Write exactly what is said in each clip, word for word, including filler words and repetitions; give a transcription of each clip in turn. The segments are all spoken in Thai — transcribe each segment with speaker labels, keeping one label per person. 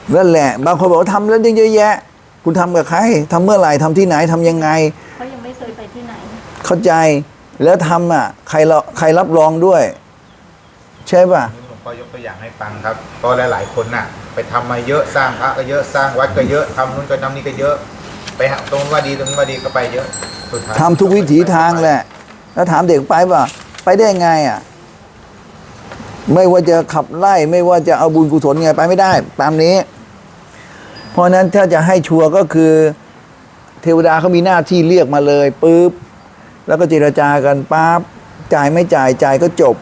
Speaker 1: นั่นแหละบางคนบอกว่าทำแล้วเยอะแยะคุณทำกับใครทำเมื่อไหร่ทำที่ไหนทำยังไง
Speaker 2: เขายังไม่เคยไปที่ไหน
Speaker 1: เข้าใจแล้วทำอ่ะใครเราใครรับรองด้วยใช่ป่ะ
Speaker 3: หลวงพ่อยกตัวอย่างให้ฟังครับก็หลายๆคนน่ะไปทำมาเยอะสร้างพระก็เยอะสร้างวัดก็เยอะทำนู่นก็ทำนี่ก็เยอะไปหาตรงว่าดีตรงนี้ว่าดีก็ไปเยอะสุดท้าย
Speaker 1: ทำทุกวิถีทางแหละแล้วถามเด็กไปป่ะไปได้ไงอ่ะไม่ว่าจะขับไล่ไม่ว่าจะเอาบุญกุศลไงไปไม่ได้ตามนี้เพราะนั้นถ้าจะให้ชัวร์ก็คือเทวดาเขามีหน้าที่เรียกมาเลยปุ๊บแล้วก็เจรจากันปั๊บจ่ายไม่จ่ายจ่ายก็จบ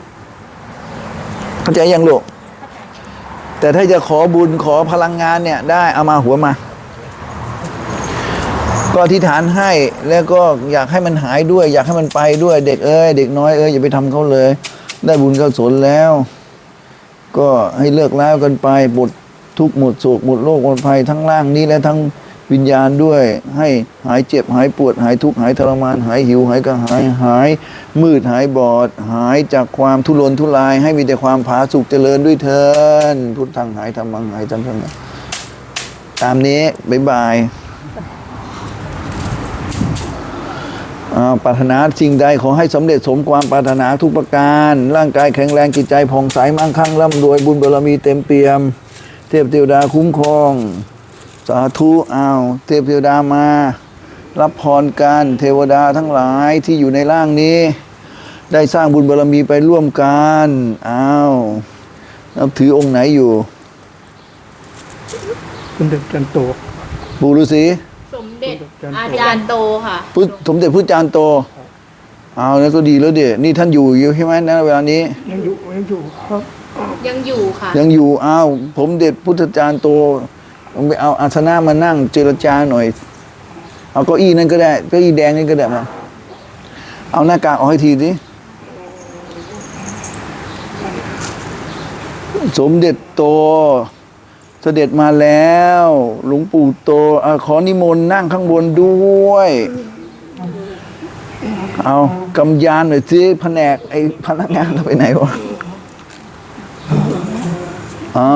Speaker 1: เข้าใจยังลูกแต่ถ้าจะขอบุญขอพลังงานเนี่ยได้เอามาหัวมาก็อธิษฐานให้แล้วก็อยากให้มันหายด้วยอยากให้มันไปด้วยเด็กเอ้ยเด็กน้อยเอ้ยอย่าไปทำเขาเลยได้บุญกุศลแล้วก็ให้เลิกแล้วกันไปหมดทุกข์หมดโศกหมดโรคหมดภัยทั้งร่างนี้และทั้งวิญญาณด้วยให้หายเจ็บหายปวดหายทุกข์หายทรมานหายหิวหายกระหายหายมืดหายบอดหายจากความทุรนทุรายให้มีแต่ความผาสุกเจริญด้วยเถิดพุทธังหายธรรมังหายจันทังตามนี้บ๊ายบายปรารถนาสิ่งใดขอให้สำเร็จสมความปรารถนาทุกประการร่างกายแข็งแรงจิตใจผ่องใสมั่งคั่งร่ำรวยบุญบารมีเต็มเปี่ยมเทพเทวดาคุ้มครองสาธุอ้าวเทพเทวดามารับพรกันเทวดาทั้งหลายที่อยู่ในร่างนี้ได้สร้างบุญบารมีไปร่วมกันอ้าวนับถือองค์ไหนอยู่
Speaker 4: สมเด็จจันโต
Speaker 1: ปู่ฤาษี
Speaker 2: สมเด็จอาจารย์โตค่ะ
Speaker 1: พุทธสมเด็จพุทธจารย์โตเอาแล้วก็ดีแล้วเดี๋ยนี่ท่านอยู่อยู่ใช่ไหมนะเวลานี้
Speaker 4: ยังอยู่ยังอยู่ครับ
Speaker 2: ยังอยู่ค่ะ
Speaker 1: ยังอยู่อ้าวผมเด็จพุทธจารย์โตไปเอาอาสนะมานั่งเจรจาหน่อยเอาเก้าอี้นั่นก็ได้เก้าอี้แดงนี่ก็ได้มาเอาหน้ากากออกให้ทีสิสมเด็จโตเสด็จมาแล้วหลวงปู่โตอขอนิมนต์นั่งข้างบนด้วยเอากำยานหน่อยสิแผนกไอ้พนักงานเราไปไหนวะเอา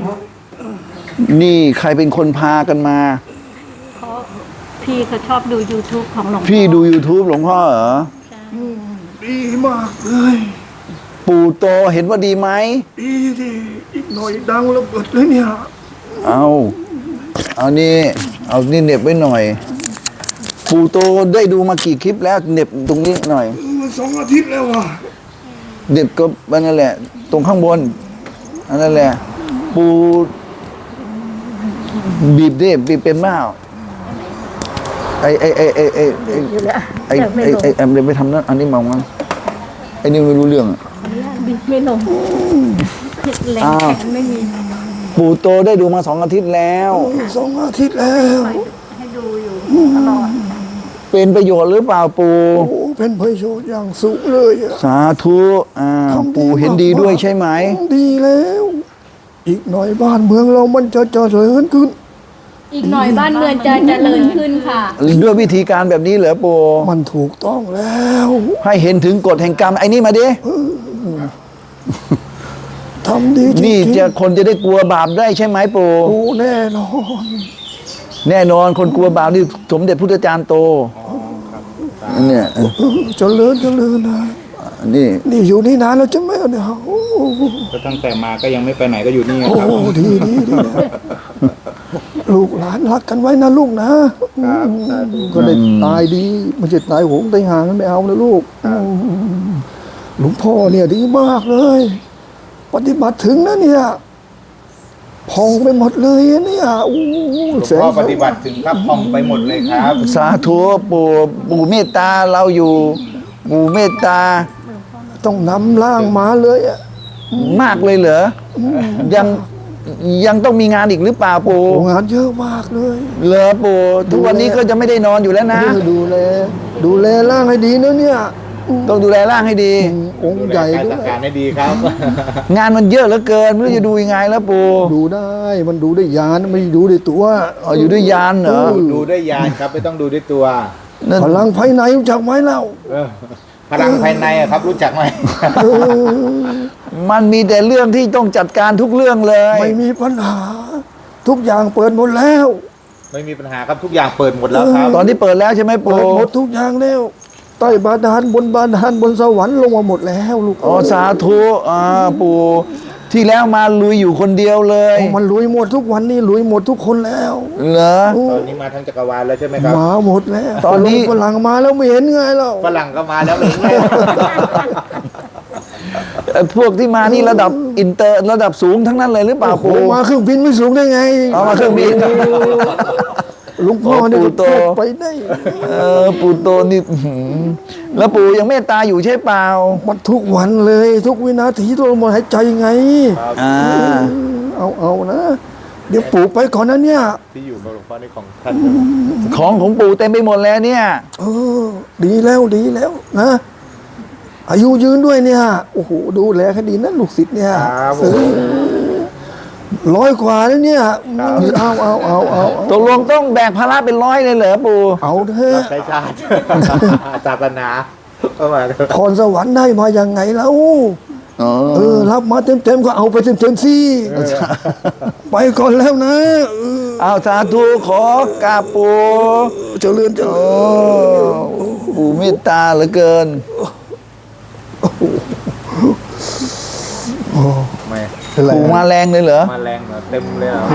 Speaker 1: นี่ใครเป็นคนพากันมา
Speaker 2: เขาพี่เขาชอบดู YouTube ของหลวงพ่อ
Speaker 1: พี่ดู YouTube หลวงพ่อเหรอ
Speaker 4: ดีมากเลย
Speaker 1: ปู่โตเห็นว่าดีไหม
Speaker 4: ดีดิอีกหน่อยดังระเบิดเลยเนี่ย
Speaker 1: เอาเอานี่เอานี่เหน็บไว้หน่อยปู่โตได้ดูมากี่คลิปแล้วเหน็บตรงนี้หน่อย
Speaker 4: มันสองอาทิตย์แล้วว่ะ
Speaker 1: เหน็บก็นั่นแหละตรงข้างบนอันนั่นแหละปู่บีบดิบีบเป็นเปล่าไอไอไอไอไอไอไอไอไอแอมเลยไปทำนั่นอันนี้มองมั้งไอนี่ไม่รู้เรื่อง
Speaker 2: บิดไม่ลงแรงแขนไม่มี
Speaker 1: ปู่โตได้ดูมาสองอาทิตย์แล้ว
Speaker 4: สองอาทิตย์แล้ว
Speaker 2: ให้ดูอยู่ตลอด
Speaker 1: เป็นประโยชน์หรือเปล่าปู่
Speaker 4: โอ้เป็นประโยชน์อย่างสูงเลย
Speaker 1: สาธุอ่าปู่เห็นดีด้วยใช่ไหม
Speaker 4: ดีแล้วอีกหน่อยบ้านเมืองเรามันจะเจริญขึ้น
Speaker 2: อีกหน่อยบ้านเมืองจะเจริญขึ้นค่ะ
Speaker 1: ด้วยวิธีการแบบนี้เหรอปู่
Speaker 4: มันถูกต้องแล้ว
Speaker 1: ให้เห็นถึงกฎแห่งกรรมไอ้นี่มาดิ
Speaker 4: ทำดีจริง
Speaker 1: นี่จะคนจะได้กลัวบาปได้ใช่ไหมปู่
Speaker 4: โอ้แน่นอน
Speaker 1: แน่นอนคนกลัวบาปนี่สมเด็จพุทธจารย์โตเนี่ย
Speaker 4: เจริญเจริญนะ
Speaker 1: นี่
Speaker 4: นี่อยู่นี่นานแล้วจะไม่เนี่ย
Speaker 3: ก็ตั้งแต่มาก็ยังไม่ไปไหนก็อยู่นี่ครับ
Speaker 4: โอ้ดีดีดีลูกหลานรักกันไว้นะลูกนะก็ได้ตายดีไม่ใช่ตายโหงตายห่างไม่เอานะลูกหลวงพ่อเนี่ยดีมากเลยปฏิบัติถึงนะเนี่ยพองไปหมดเลยเนี่ย
Speaker 3: หลวงพ่อปฏิบัติถึงครับพองไปหมดเลยครับ
Speaker 1: สาธุปู่ปู่เมตตาเราอยู่ปู่เมตตา
Speaker 4: ต้องนำร่างมาเลยอะ
Speaker 1: มากเลยเหรอยังยังต้องมีงานอีกหรือเปล่าปู่
Speaker 4: งานเยอะมากเลย
Speaker 1: เหรอปู่ทุกวันนี้ก็จะไม่ได้นอนอยู่แล้วนะ
Speaker 4: ดูแลดูแลร่างให้ดีนะเนี่ย
Speaker 1: ต้องดูแลร่างให้ดี
Speaker 4: องค์ใหญ่
Speaker 3: ด้วยจัดการให้ดีครับ
Speaker 1: งานมันเยอะเหลือเกินไม่รู้จะดูยังไงแล้วปู่
Speaker 4: ดูได้มันดูได้ยานไม่ดูได้ตัว
Speaker 1: อ๋ออยู่ด้วยยานเหรอ
Speaker 3: ดูด้วยยานครับไม่ต้องดูด้วยตัว
Speaker 4: พลังภายในรู้จักไหมเล่า
Speaker 3: พลังภายในครับรู้จักไหม
Speaker 1: มันมีแต่เรื่องที่ต้องจัดการทุกเรื่องเลย
Speaker 4: ไม่มีปัญหาทุกอย่างเปิดหมดแล้ว
Speaker 3: ไม่มีปัญหาครับทุกอย่างเปิดหมดแล้วครับ
Speaker 1: ตอนนี้เปิดแล้วใช่ไหม
Speaker 4: เปิ
Speaker 1: ปู่
Speaker 4: ดหมดทุกอย่างแล้วใต้บาดาลบนบาดาลบนสวรรค์ลงมาหมดแล้วลูก
Speaker 1: อ๋อสาธุอ่าปู่ที่แล้วมาลุยอยู่คนเดียวเลย
Speaker 4: โอ้มันลุยหมดทุกวันนี้ลุยหมดทุกคนแล้ว
Speaker 1: เหรอ
Speaker 4: โอ้
Speaker 3: ตอนนี้มาทั้งจักรวาลแล้วใช่ไหมครับ
Speaker 4: มาหมดแล้ว
Speaker 1: ตอนนี้
Speaker 4: ฝรั่งมาแล้วไม่เห็นไงเรา
Speaker 3: ฝรั่งก็มาแล้วเลย
Speaker 1: เอ่อพวกที่มานี่ระดับอินเตอร์ระดับสูงทั้งนั้นเลยหรือเปล่า
Speaker 4: โอ้โห
Speaker 1: ปู่
Speaker 4: มาเครื่องบินไม่สูงได้ไง
Speaker 1: เอามาเครื่องบิน
Speaker 4: หลวงพ่อเนี่ย
Speaker 1: โอ้ปู่โต
Speaker 4: ไปได้
Speaker 1: เออปู่โตนี่อื้อหือแล้วปู่ยังเมตตาอยู่ใช่เปล่า
Speaker 4: มันทุกวันเลย ทุกวินาทีทุกลมหายใจไง
Speaker 1: อ่า
Speaker 4: เอาเอานะ เดี๋ยวปู่ไปก่อนนะเนี่ย
Speaker 3: ที่อยู่กับหลวงพ่อในของท่าน
Speaker 1: ของของปู่เต็มไปหมดแล้วเนี่ย
Speaker 4: เออ ดีแล้วดีแล้วนะ อายุยืนด้วยเนี่ยโอ้โหดูแลคดีนะลูกศิษย์เนี่ย
Speaker 3: ครับผ
Speaker 4: เอ
Speaker 3: ม
Speaker 4: อร้อยกว่าแล้วเนี่ยเอาเอาเอาเอา
Speaker 1: ตกลงต้องแบกภาระเป็นร้อยเลยเหรอปู่
Speaker 4: เอาเถอะ
Speaker 3: ใช้ชาติศาสนาเข้ามาเลย
Speaker 4: พรสวรรค์ได้มายังไงแล้ว
Speaker 1: อ๋อ
Speaker 4: เออรับมาเต็มๆก็เอาไปเต็มๆสิไปก่อนแล้วนะเออ
Speaker 1: เอาสาธุขอกราบปู่
Speaker 4: เจริญเจ
Speaker 1: โอ้
Speaker 4: ริญ
Speaker 1: ปู่เมตตาเหลือเกิน
Speaker 3: ไม่
Speaker 4: อะไร
Speaker 1: ปู่มาแรงเลยเหรอ
Speaker 3: มาแรงเหรอเต็มเลยเหรอ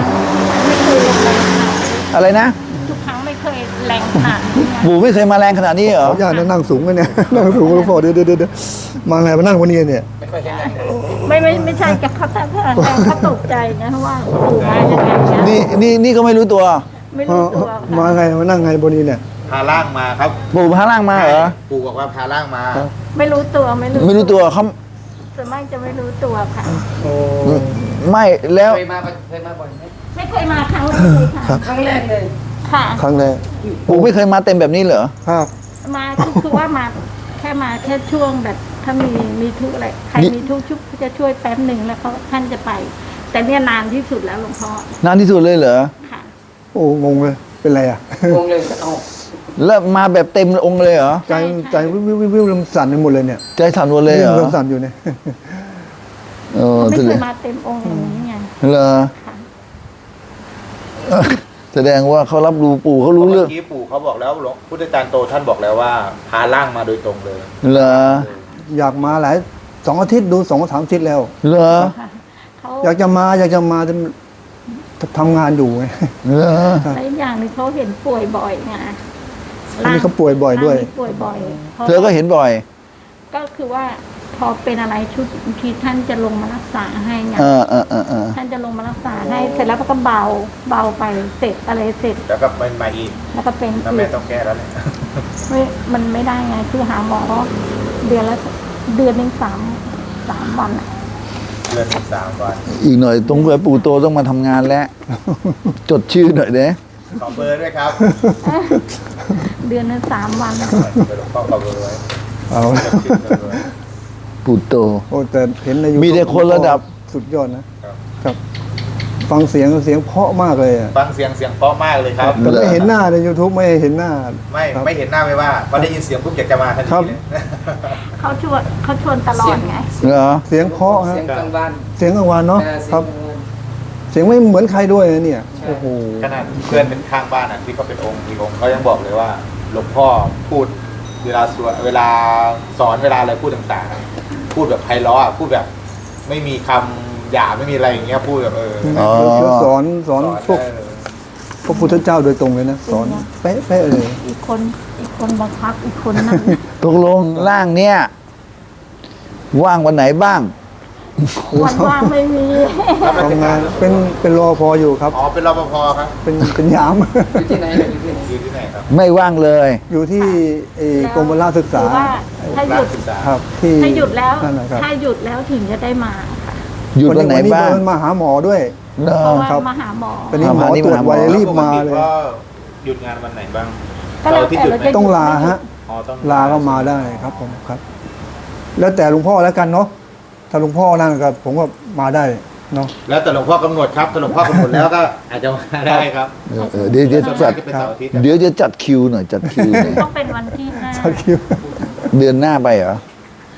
Speaker 1: อะไรนะ
Speaker 2: ทุกครั้งไม่เคยแรงขนาดนี้ไง
Speaker 1: ปู่ไม่เคยมาแรงขนาดนี้เหรอ
Speaker 4: ขออนุญาตนะนั่งสูงกันเนี่ย นั่งสูงหลวงพ่อเดี๋ยวเดี๋ยวเดี๋ยวมาไงมานั่งวันนี้เนี่ย
Speaker 2: ไม่ไม่ไม่ใช่กับเขาแต่แรงเขาตกใจนะเพราะว่าปู่มายังไงนะ
Speaker 1: นี่นี่นี่ก็ไม่รู้ตัว
Speaker 2: ไม่รู้ตัว
Speaker 4: มา
Speaker 2: ค่ะ
Speaker 4: ไงมานั่งไงบนนี้เนี่ย
Speaker 3: พาล่างมาครับ
Speaker 1: ปู่พาล่างมาเหรอ
Speaker 3: ปู่บอกว่าพาล่างมา
Speaker 2: ไม่รู้ตัวไม่รู้
Speaker 1: ไม่รู้ตัวเขา
Speaker 2: ส่วนมากจะไม่รู้ตัวค่ะ
Speaker 1: ไม่แล้ว
Speaker 5: เคยมาเคยมาบ่อยไหม
Speaker 2: ไม่เคยมาครั้งแรกเลยค่ะ
Speaker 5: ครั้งแรกเลย
Speaker 2: ค่ะ
Speaker 4: ครั้งแรก
Speaker 1: ปู่ไม่เคยมาเต็มแบบนี้เหรอ
Speaker 4: ครับ
Speaker 2: มาคือคือว่ามาแค่มาแค่ช่วงแบบถ้ามีมีทุกข์อะไรใคร
Speaker 1: นี่
Speaker 2: มีทุกข์ชุบจะช่วยแป๊บหนึ่งแล้วเขาท่านจะไป แต่เนี่ยนานที่สุดแล้วหลวงพ่อน
Speaker 1: านที่สุดเลยเหรอ
Speaker 2: ค่ะ
Speaker 4: โอ้งงเลยเป็นไรอ่ะ
Speaker 5: งงเลยเอา
Speaker 1: แล้วมาแบบเต็มองค์เลยเหรอ
Speaker 4: ใจใจวิววิววิววิวมันสั่นไปหมดเลยเนี่ย
Speaker 1: ใจสั่นหมดเลยเหรอ
Speaker 4: ริ่มสั่นอยู่เนี่ย
Speaker 1: เออ
Speaker 2: ไม่
Speaker 1: แส
Speaker 2: เค
Speaker 1: ด
Speaker 2: ย
Speaker 1: ง
Speaker 2: มาเต็มองค์อย่างนี้ไง
Speaker 1: เหรอ
Speaker 2: ค่ะ
Speaker 1: แสดงว่าเขารับรู้ปู่เขารู้เรื่อง
Speaker 3: เมื่อกี้ปู่เขาบอกแล้วหลวงพุทธจารย์โตท่านบอกแล้วว่าพาล่างมาโดยตรงเลย
Speaker 1: เหรอ
Speaker 4: อยากมาหลายสองอาทิตย์ดูสองสามอาทิตย์แล้ว
Speaker 1: เหรอ
Speaker 2: ค่ะเขา
Speaker 4: อยากจะมาอยากจะมาแต่ทำงานอยู่ไง
Speaker 1: เหรอ
Speaker 2: และอีกอย่างหนึงเขาเห็นป่วยบ่อยไง
Speaker 4: อันนี้เขาป่วยบ่อยด้วย
Speaker 2: ร่างนี้ป่วยบ่อยพราะ
Speaker 1: เธอก็เห็นบ่อย
Speaker 2: ก็คือว่าพอเป็นอะไรชุดบางทีท่านจะลงมารักษาให้ไง
Speaker 1: เออเออเออเออ
Speaker 2: ท่านจะลงมารักษาให้เสร็จแล้วก็เบาเบาไปเสร็จอะไรเสร็จ
Speaker 3: แล้วก็มันมาอีก
Speaker 2: แล้วก็เป็น
Speaker 3: แล้ว
Speaker 2: อี
Speaker 3: แม่
Speaker 2: ก
Speaker 3: ต้องแก้แล้วเนี่ย
Speaker 2: ไม่มันไม่ได้ไงคือหาหมอเดือนละเดือนหนึ่งสามสามวันอะ
Speaker 3: เดือนหนึ่งสามวัน
Speaker 1: อีกหน่อยตรงเผื่อปู่โตต้องมาทำงานแล้ว จดชื่อหน่อยเด้
Speaker 3: ขอเบอร์ด้วยครับ
Speaker 2: เดือนหนึงสามวันอะ
Speaker 3: เดี๋ยวหลวงพ่อขอเบอร์ไว้
Speaker 4: เอา
Speaker 3: จดชื่อเบอร์ไว้
Speaker 1: ปู่โต
Speaker 4: โอ้แต่เห็นใน YouTube
Speaker 1: มีแต่คนระดับ
Speaker 4: สุดยอดนะครับ ครับ ฟังเสียงเสียงเพราะมากเลยอะ
Speaker 3: ฟังเสียงเสียงเพราะมากเลยครับ
Speaker 4: แต่ไม่เห็นหน้าใน YouTube ไม่เห็นหน้า
Speaker 3: ไม่
Speaker 4: ครับ
Speaker 3: ไม่เห็นหน้าไม่ว่าพอได้ยินเสียงปุ๊บอยากจะมาทัน
Speaker 4: ครั
Speaker 3: ที
Speaker 4: บ
Speaker 3: เลย
Speaker 2: เขาชวนเขาชวนตลอดไง
Speaker 1: เหรอ
Speaker 4: เสียงเพราะฮะ
Speaker 5: เสียงกลางวัน
Speaker 4: เสียงกลางวันเนาะ
Speaker 5: เออเสี
Speaker 4: ค
Speaker 5: ย
Speaker 4: รั
Speaker 5: ง
Speaker 4: บ
Speaker 5: กลางวัน
Speaker 4: เสียงไม่เหมือนใครด้วยนะเนี่ย
Speaker 5: ใช่
Speaker 4: โอ้โห
Speaker 3: ขนาดเพื่อนเป็นข้างบ้านอ่ะที่เขาเป็นองค์อีกองค์เขายังบอกเลยว่าหลวงพ่อพูดเวลาสวดเวลาสอนเวลาอะไรพูดต่างๆ พูดแบบไพเราะอะพูดแบบ ไม่มีคำหยาบไม่มีอะไรอย่างเงี้ยพูดแบบเออ
Speaker 1: อ๋อ
Speaker 4: เดี๋ยวสอนสอนพวก
Speaker 3: เออ
Speaker 4: พระพุทธเจ้าโดยตรงเลยนะ สอนเป๊ะเป๊ะเลย
Speaker 2: อีกคนอีกคนบังคับอีกคนนั่น
Speaker 1: ตกลงร่างเนี่ย ว่างวันไหนบ้าง
Speaker 2: วันว่างไม่มี
Speaker 3: รับราช
Speaker 4: ทำงา
Speaker 3: การ
Speaker 4: นเป็นเป็นรอพออยู่ครับ
Speaker 3: อ๋อเป็นรปภครับ
Speaker 4: เป็นเป็นยาม
Speaker 5: อยู่ที่ไหนเนี่ยอยู่ที่ไหน
Speaker 3: อยู่ที่ไหนครับ
Speaker 1: ไม่ว่างเลย
Speaker 4: อยู่ที่เอ่อกรมพละศึกษา
Speaker 2: หรือว่าถ้าห
Speaker 3: รา
Speaker 2: ยุ
Speaker 3: ช
Speaker 2: ด
Speaker 3: ศึกษา
Speaker 4: ครับ ที่
Speaker 2: ถ้าหยุดแล้ว
Speaker 4: นั่นแหละครับ
Speaker 2: ถ้าหยุดแล้วถึงจะได้มาค่ะ
Speaker 1: หยุดวันไหนบ้าง
Speaker 4: วันี้มาหาหมอด้วย
Speaker 1: เหรอ
Speaker 2: เพราะว่า
Speaker 4: ครับ
Speaker 2: มาหาหมอ
Speaker 4: ตอนนี้
Speaker 1: อ่า
Speaker 4: หมอ
Speaker 1: พานี่
Speaker 4: ตรวจ
Speaker 1: มาหาหมอ
Speaker 4: ไวรีบมาเลย
Speaker 3: ก็หยุดงานวันไหนบ้าง
Speaker 2: ก็แล้วแต่
Speaker 3: เสาร์อาทิตย์หยุด
Speaker 2: เรา
Speaker 3: ไหม
Speaker 2: จะ
Speaker 4: ต้องลาฮะ
Speaker 3: อ๋อต้อง
Speaker 4: ลาก็มาได้ครับผมครับ แล้วแต่หลวงพ่อแล้วกันเนาะถ้าหลวงพ่อนั่นก็ผมก็มาได้เนาะ
Speaker 3: แล้วแต่หลวงพ่อกำหนดครับถ้าหลวงพ่อกำหนดแล้วก็อาจจะมาได้ครับ
Speaker 1: เออเออเดี๋ยวเดี๋ยว
Speaker 3: ส่วน
Speaker 1: จั
Speaker 3: มา
Speaker 1: ด
Speaker 3: กจะเป็นเสาร์อาทิตย์
Speaker 1: เดี๋ยวจะจัดคิวหน่อยจัดคิวหน่อย
Speaker 2: ต้องเป็นวันที่ห้า
Speaker 4: ชักคิว
Speaker 1: เดือนหน้าไปเหรอ
Speaker 2: ค่ะเอ้ย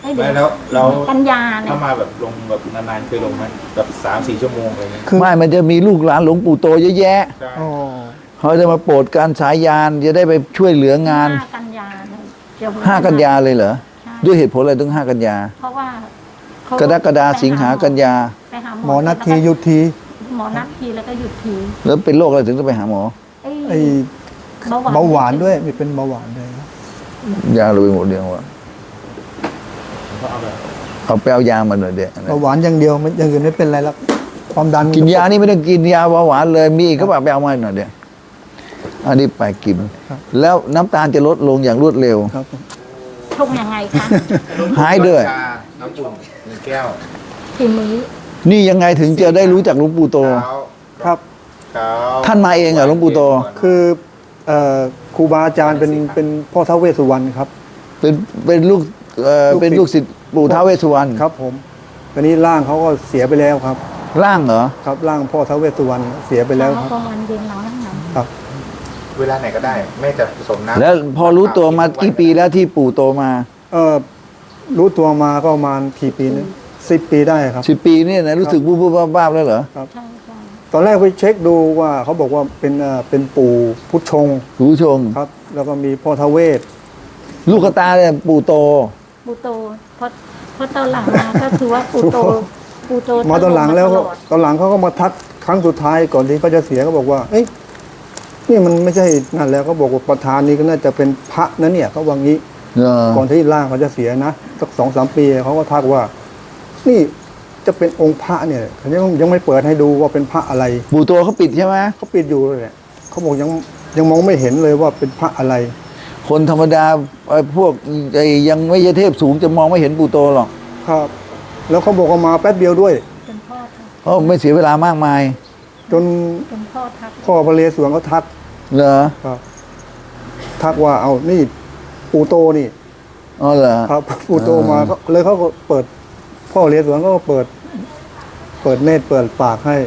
Speaker 2: ให้เดือ
Speaker 3: ไม่
Speaker 2: น
Speaker 3: แล้วเรา
Speaker 2: กันยาเนี่ย
Speaker 3: ถ้ามาแบบลงแบบนานๆเคยลงไหมแบบสามสี่ชั่วโมงอะไรเงี้ย
Speaker 4: คือ
Speaker 1: ไม่มันจะมีลูกหลานหลวงปู่โตเยอะแยะ
Speaker 3: ใช่
Speaker 4: อ๋อ
Speaker 1: เขาจะมาโปรดการสายยานจะได้ไปช่วยเหลืองาน
Speaker 2: ห้ากันยาเนี่ยเดี๋ยว
Speaker 1: ห้ากันยาเลยเหรอ
Speaker 2: ใช่
Speaker 1: ด้วยเหตุผลอะไรถึงห้ากันยา
Speaker 2: เพราะว่าเขา
Speaker 1: กรกฎาสิงหากันยา
Speaker 2: ไปหา
Speaker 4: หมอนัดทีหยุดที
Speaker 2: หมอนัดทีแล้วก็หยุดที
Speaker 1: แล้วเป็นโรคอะไรถึงต้องไปหาหมอ
Speaker 2: ไอ้
Speaker 4: ไอ้เบาหวานด้วยมีเป็นเบาหวานด้วยครับ
Speaker 1: ยาเราไปหมดเดียววะ
Speaker 3: ก็เอาแบบ
Speaker 1: เอาไปเอายามาหน่อยเดี๋ยว
Speaker 4: เบาหวานอย่างเดียวไม่อย่างอื่นไม่เป็นไรแล้วความดัน
Speaker 1: กินยานี่ไม่ต้องกินยาเบาหวานเลยมีอีกก็แบบไปเอามาหน่อยเดี๋ยวอันนี้ไปกิน แล้วน้ำตาลจะลดลงอย่างรวดเร็ว
Speaker 4: ครับ
Speaker 2: ชงยังไงคะ
Speaker 1: หายด้วย
Speaker 3: ชาน้ำอุ่นหนึ่งแก้ว
Speaker 2: กี่มื้อ
Speaker 1: นี่ยังไงถึงจะได้รู้จักหลวงปู่โต
Speaker 3: เช้า
Speaker 4: ครับ
Speaker 3: เช้า
Speaker 1: ท่านมาเองเหรอหลวงปู่โต
Speaker 4: คือเอ่อครูบาอาจารย์เป็นเป็นพ่อท้าวเวสสุวรรณครับ
Speaker 1: เป็นเป็นลูกเอ่อ
Speaker 4: ลูกศิษย์
Speaker 1: เป็นลูกศิษย์ปู่ท้าวเวสสุวรรณ
Speaker 4: ครับผมตอนนี้ร่างเขาก็เสียไปแล้วครับ
Speaker 1: ร่างเหรอ
Speaker 4: ครับร่างพ่อท้าวเวสสุวรรณเสียไปแล้วครับ
Speaker 2: กลางวันเย็นเรานั่งหนัง
Speaker 4: ครับ
Speaker 3: เวลาไหนก็ได้แม่จะผสมน้ำ
Speaker 1: แล้วพอรู้ตัวมากี่ปีแล้วที่ปู่โตมา
Speaker 4: เออรู้ตัวมาก็ประมาณกี่ปีนะสิบปีได้ครับ
Speaker 1: สิบปีเนี่ยนะรู้สึกบูบๆบ้าๆแล้วเหรอ
Speaker 2: ใช่ใช่
Speaker 4: ตอนแรกไปเช็คดูว่าเขาบอกว่าเป็นเอ่อเป็นปู่พุทธชง
Speaker 1: คุณผู้ชม
Speaker 4: ครับ แล้วก็มีพ่อท้าวเวส
Speaker 1: ลูกกระตาเนี่ยปู่โต
Speaker 2: ปูโตเพราะเพราะตอนหลังมาก็คือว่าปูโตปูโต
Speaker 4: มาตอนหลังแล้ว
Speaker 2: ต
Speaker 4: ก็
Speaker 2: อด
Speaker 4: ตอนหลังเขาก็มาทักครั้งสุดท้ายก่อนที่เขาจะเสียเขาบอกว่า เอ้ยนี่มันไม่ใช่นั่นแล้วเขาบอกว่าประธานนี้ก็น่าจะเป็นพระนะเนี่ยเขาว่างี้
Speaker 1: เออ
Speaker 4: ก่อนที่ร่างเขาจะเสียนะสักสองสามปีเขาก็ทักว่า นี่จะเป็นองค์พระเนี่ยเขายังยังไม่เปิดให้ดูว่าเป็นพระอะไร
Speaker 1: ปู่โตเขาปิดใช่ไหม
Speaker 4: เขาปิดอยู่เลยแหละเขาบอกยังยังมองไม่เห็นเลยว่าเป็นพระอะไร
Speaker 1: คนธรรมดาไอ้พวกไอ้ยังไม่ใช่เทพสูงจะมองไม่เห็นปู่โตหรอก
Speaker 4: ครับ แล้วเขาบอกว่ามาแป๊บเดียวด้วย
Speaker 2: เป็นพ่อทัก
Speaker 1: เพราะไม่เสียเวลามากมาย
Speaker 4: จน
Speaker 2: เป็นพ่อทัก
Speaker 4: พ่อพระเลสวนเขาทัก
Speaker 1: เหรอ
Speaker 4: ครับ ทักว่าเอานี่ปู่โตนี่
Speaker 1: อ๋อเหรอ
Speaker 4: ครับปู่โตมาก็เลยเขาก็เปิด พ่อเลสวนก็เปิด เปิดเนตรเปิดปากให้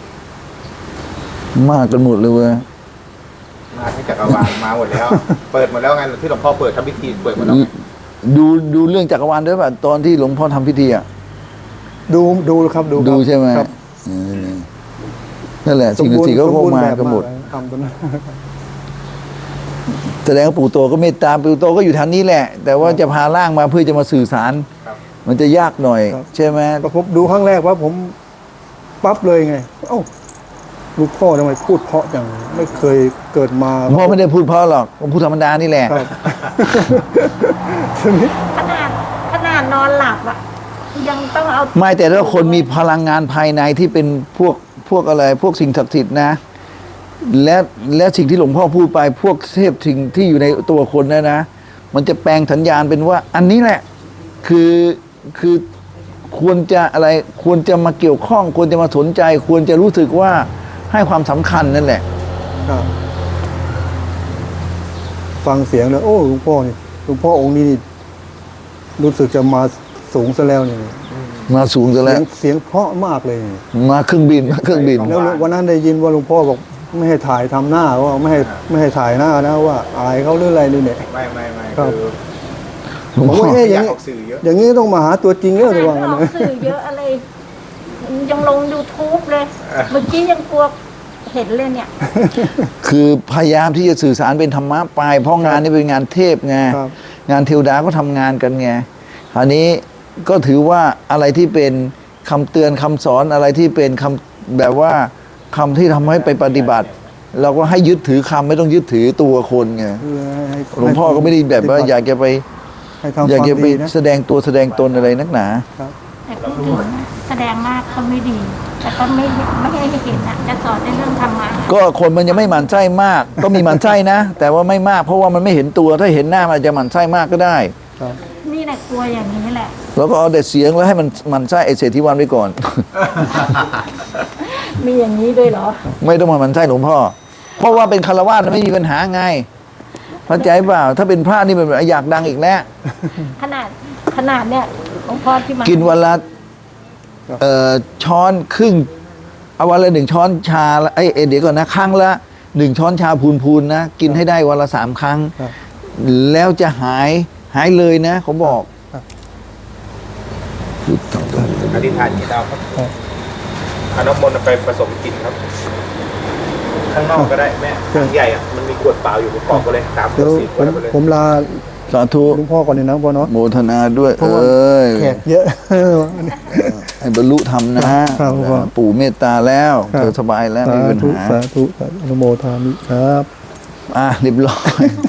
Speaker 1: มากกันหมดเลยเว้ย
Speaker 3: มาที่จักรวาลมาหมดแล้ว เปิดหมดแล้วไงที่หลวงพ่อเปิดทำพิธีเปิดหมดแล้วไง
Speaker 1: ดูดูเรื่องจักรวาลด้วยป่ะตอนที่หลวงพ่อทำพิธีอ่ะ
Speaker 4: ดูดูครับดูครับ
Speaker 1: ดูใช่ไหม
Speaker 4: ครับ
Speaker 1: เออนั่นแหละสิ่งศักดิ์สิทธิ์ก็คงมากันหมด
Speaker 4: ทำตรงนั้น
Speaker 1: แสดงว่าปู่โตก็เมตตาปู่โตก็อยู่ทางนี้แหละ แต่ว่าจะพาร่างมาเพื่อจะมาสื่อสาร
Speaker 3: ครับ
Speaker 1: มันจะยากหน่อย
Speaker 4: ครับ
Speaker 1: ใช่ไหม
Speaker 4: ก็ผมดูครั้งแรกว่าผมปั๊บเลยไง เอ้าลูกพ่อทำไมพูดเพราะจังไม่เคยเกิดมา
Speaker 1: พ่อไม่ได้พูดเพราะหรอกผมพูดธรรมดานี่แหละ
Speaker 4: ครับ ทีนี้
Speaker 2: ขนาดขนาดนอนหลับอ่ะยังต้องเอา
Speaker 1: ไม่แต่ถ้าคนมีพลังงานภายในที่เป็นพวกพวกอะไร พวกสิ่งศักดิ์สิทธิ์นะ และและสิ่งที่หลวงพ่อพูดไป พวกเทพสิ่งที่อยู่ในตัวคนนะนะ มันจะแปลงสัญญาณเป็นว่า อันนี้แหละ คือคือควรจะอะไรควรจะมาเกี่ยวข้อง ควรจะมาสนใจ ควรจะรู้สึกว่าให้ความสำคัญนั่นแหละ
Speaker 4: ครับฟังเสียงแล้วโอ้หลวงพ่อนี่หลวงพ่อองค์นี้นี่รู้สึกจะมาสูงซะแล้วนี่
Speaker 1: มาสูงซะ
Speaker 4: เสี
Speaker 1: แล้
Speaker 4: ยว งเสียงเพราะมากเลยนี่
Speaker 1: มาเครื่องบินมาเครื่องบิน
Speaker 4: แล้ววันนั้นได้ยินว่าหลวงพ่อบอกไม่ให้ถ่ายทำหน้าว่าไม่ให้ไม่ให้ถ่ายหน้านะว่าอายเขาหรืออะไรนี่เนี่ย
Speaker 3: ไม่ไม่ไม่
Speaker 4: ครับ
Speaker 3: คือ
Speaker 1: หลวง
Speaker 4: ผม
Speaker 1: พ่อ
Speaker 4: ว่าเอ๊ะ
Speaker 3: อ
Speaker 4: อย่าง
Speaker 3: ยาก
Speaker 4: นี้
Speaker 3: ออกสื่อเยอะ
Speaker 4: อย่างนี้ต้องมาหาตัวจริงแล้ว
Speaker 2: ข
Speaker 4: ระ
Speaker 2: นา
Speaker 4: วั
Speaker 2: ด
Speaker 4: ง
Speaker 2: อ
Speaker 4: กัน
Speaker 2: อก
Speaker 4: นะ
Speaker 2: สื่อเยอะอะไร ยังลง YouTube เลย เมื่อกี้ยังกลัวเห็นเลยเนี่ย
Speaker 1: คือพยายามที่จะสื่อสารเป็นธรรมะไป เพราะงานนี้เป็นงานเทพไง
Speaker 4: ครับ
Speaker 1: งานเทวดาก็ทำงานกันไงคราวนี้ก็ถือว่าอะไรที่เป็นคำเตือนคำสอนอะไรที่เป็นคำแบบว่าคำที่ทำให้ไปปฏิบัติ เราก็ให้ยึดถือคำไม่ต้องยึดถือตัวคนไง
Speaker 4: คือให้
Speaker 1: หลวงพ่อก็ไม่ได้แบบว่าอยากจะไป
Speaker 4: ให้ทำค
Speaker 1: อยาก
Speaker 4: วาม
Speaker 1: จะไป
Speaker 4: ดีนะ
Speaker 1: แสดงตัวแสดงตนอะไรนักหนา
Speaker 2: แต่พูดถึงนะแสดงมากก็ไม่ดี แต่ก็ไม่ไม่ให้เห็นนะจะสอนในเรื่องธรรมะ
Speaker 1: ก็คนมันยังไม่หมั่นไส้มาก ก็มีหมั่นไส้นะ แต่ว่าไม่มากเพราะว่ามันไม่เห็นตัวถ้าเห็นหน้ามันอาจจะหมั่นไส้มากก็ได้
Speaker 4: ครับ
Speaker 2: นี่แหละกลัวอย่างนี้แหละ
Speaker 1: แล้วก็เอาแต่เสียงแล้วให้มันหมั่นไส้ไอเศรษฐีวันไปก่อน
Speaker 2: มีอย่างนี้ด้วยเหรอ
Speaker 1: ไม่ต้องมาหมั่นไส้หลวงพ่อ เพราะว่าเป็นคารวะไม่มีปัญหาไงเข้าใจเปล่าถ้าเป็นพระนี่เป็นอยากดังอีกแล้ว
Speaker 2: ขนาดขนาดเนี่ยหลวงพ่อที่มา
Speaker 1: กินวันละ
Speaker 4: ครับ
Speaker 1: เอ่อช้อนครึ่งเอาวันละหนึ่งช้อนชาละเอ้ยเอ้ยเดี๋ยวก่อนนะครั้งละหนึ่งช้อนชาพูนๆนะกินให้ได้วันละสามครั้ง
Speaker 4: ครับ
Speaker 1: แล้วจะหายหายเลยนะเขาบอก
Speaker 4: ครับ
Speaker 1: พุทธัง
Speaker 3: อธิษฐานจิตเอาครับเอาน้ำมนต์ไปผสมกินครับ ข้างนอกก็ได้แม่ถังใหญ่อะมันมีขวดเปล่าอยู่ประกอบกันเลยสามขว
Speaker 4: เดี๋
Speaker 3: ด
Speaker 4: ยว
Speaker 3: สี่ข
Speaker 4: ผ
Speaker 3: วด
Speaker 4: ม
Speaker 3: เอาไปเลย
Speaker 4: ผมลา
Speaker 1: สาธุ
Speaker 4: หลวงพ่อก่อนเลยนะพ่อเนาะ
Speaker 1: โมทนาด้วย
Speaker 4: เพราะ
Speaker 1: เอ
Speaker 4: ว่า
Speaker 1: ้ย
Speaker 4: แขกเยอะ
Speaker 1: ให้บรรลุธรรมนะครับ
Speaker 4: พ่อ
Speaker 1: ปู่เมตตาแล้ว
Speaker 4: ครับ
Speaker 1: เธอสบายแล้วไม่
Speaker 4: สา
Speaker 1: มีปัญ
Speaker 4: ธุ
Speaker 1: หา
Speaker 4: สาธุสาธุอนุโมทามิครับ
Speaker 1: อ่ะเรียบร้อย